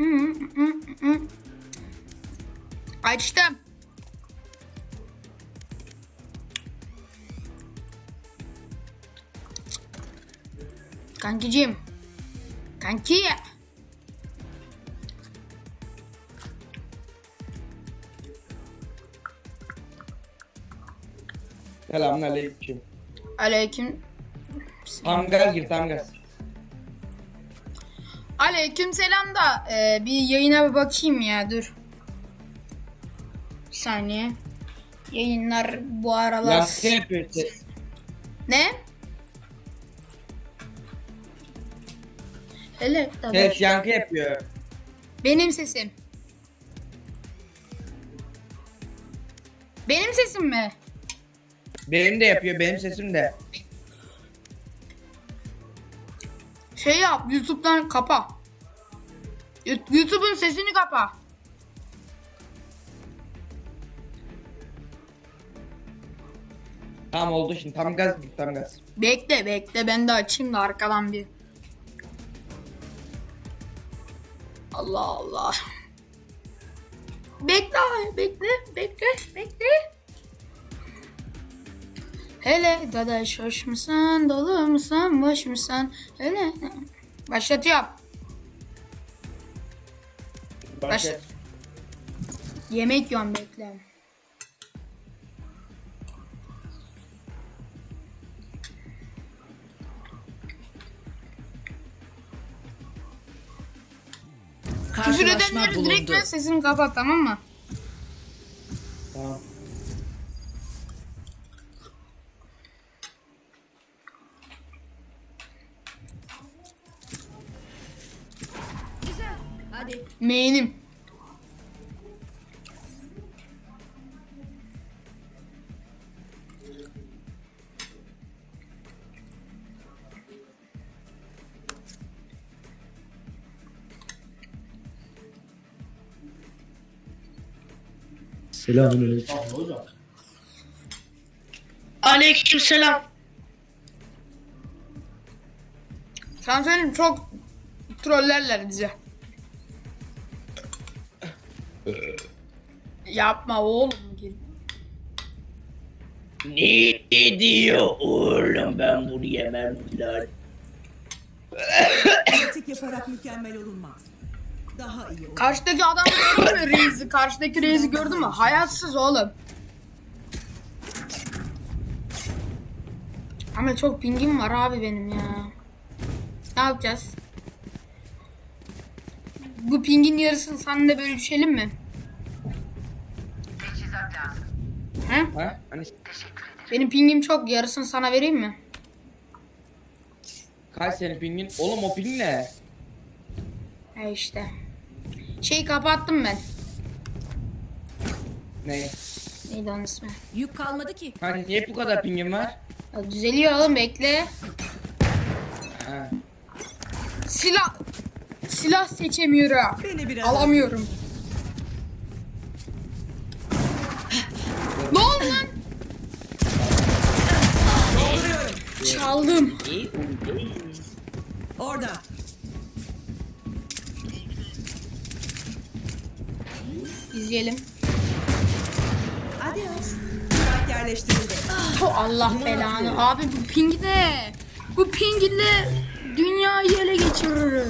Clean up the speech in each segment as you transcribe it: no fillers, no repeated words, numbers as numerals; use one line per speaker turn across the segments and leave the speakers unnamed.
Açtım. Kankicim. Kanki.
Selamünaleyküm.
Aleyküm.
Tam gaz gir, tam gaz.
Aleyküm selam da bir yayına bir bakayım ya, dur. Bir saniye. Yayınlar bu aralar...
Yankı yapıyor ses.
Ne? Hele
Ses yankı yapıyor.
benim sesim. Benim sesim mi?
Benim de yapıyor, benim sesim de.
Şey yap, YouTube'dan kapa. YouTube'un sesini kapa.
Tamam oldu şimdi, tam gaz gir, tam gaz.
Bekle ben de açayım da arkadan bir. Allah Allah. Bekle bekle. Hele dadaş hoş musun, dolu musun, boş musun? Hele. Başlatıyorum.
Başla.
Yemek yiyorum, bekle. Küfür edenleri direkt ben sesini kapat, tamam mı?
Tamam.
Hadi.
Main'im.
Selamünaleyküm.
Aleykümselam.
Sana söyleyeyim, çok trollerler bizi. Yapma oğlum.
Ne diyor oğlum, ben bunu yemem lan.
Pratik yaparak mükemmel olunmaz. Daha iyi olur.
Karşıdaki adamı gördün mü, Reis'i? Karşıdaki Reis'i gördün mü? Hayatsız oğlum. Ama çok pingim var abi benim ya. Ne yapacağız? Bu pingin yarısını seninle bölüşelim mi? He?
Ha? Hani
Benim pingim çok, yarısını sana vereyim mi?
kaç senin pingin? Oğlum o ping ne?
He işte. Şeyi kapattım ben.
Ne?
Neydi onun ismi?
Yük kalmadı ki.
Hani niye bu kadar pingin var?
Ya düzeliyor oğlum, bekle.
Ha.
Silah seçemiyorum.
Beni biraz
Alamıyorum. Ne oldu lan? Çaldım.
Orada.
İzleyelim.
Adios. Bak yerleştirildi.
Oh, Allah belanı. Abi bu ping ne? Bu ping ile dünyayı ele geçirir.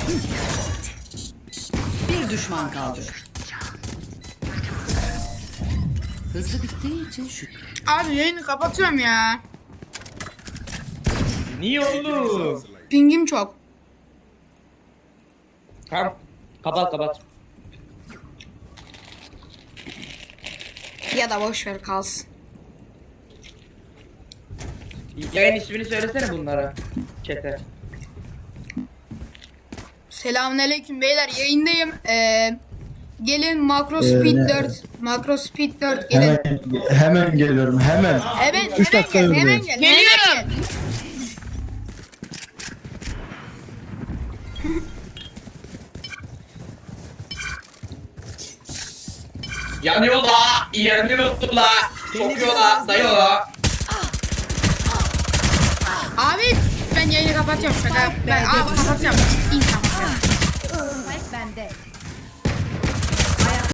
Bir düşman kaldı. Hızlı bittiği için şükür.
Abi yayını kapatıyorum ya.
Niye oğlum?
Pingim çok.
Tamam. Kapat kapat.
Ya da boş ver kalsın.
Yayın ismini söylesene bunlara. Çete.
Selamünaleyküm beyler, yayındayım. Gelin Macro Speed 4. Macro Speed 4 gelin.
Hemen geliyorum hemen.
Hemen
3 dakika
hemen
buradayım.
gel.
Geliyorum.
Yanıyor la. Yanıyor la. Sokuyor la. Dayıyor la.
Abi ben yayını kapatıyorum. Ben kapatacağım. İyi tamam.